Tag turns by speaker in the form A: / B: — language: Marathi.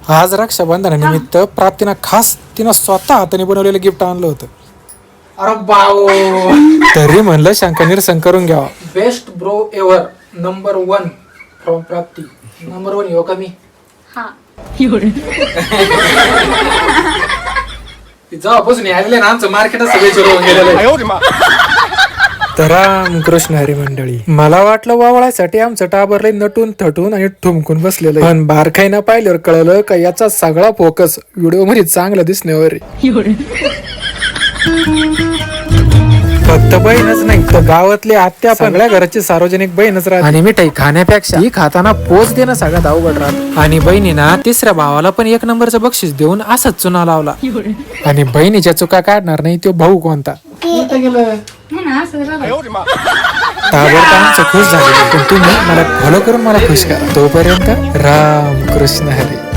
A: आज रक्षाबंधनानिमित्त प्राप्तीनं खास तिनं स्वतः हाताने बनवलेलं गिफ्ट आणलं होतं.
B: अरे बाओ,
A: तरी म्हणलं शंका निरसन करून घ्यावा.
B: Best bro ever number 1 from Prapti. Number 1 येऊ का मी? जेव्हापासून आलेले ना आमचं मार्केट सगळे सुरू होऊन गेलेलं आहे.
A: तर रामकृष्ण हरी मंडळी, मला वाटलं वावळासाठी आमचं टाबरलंय नटून थटून आणि ठुमकून बसलेलं, पण बारकाईनं पाहिल्यावर कळलं का याचा सगळा फोकस व्हिडिओ मध्ये चांगला दिसण्यावर आहे. फक्त बहीणच नाही तर गावातले आत्या सगळ्या घराची सार्वजनिक बहीणच राहते. आणि मिठाई खाण्यापेक्षा ही खाताना पोच देणं सगळ्यात अवघड राहत. आणि बहिणीना तिसऱ्या भावाला पण 1 नंबरचं बक्षीस देऊन असाच चुना लावला. आणि बहिणीच्या चुका काढणार नाही तो भाऊ कोणता. ताबडतोब खुश झाले, पण तुम्ही मला फॉलो करून मला खुश करा. तोपर्यंत राम कृष्ण हरी.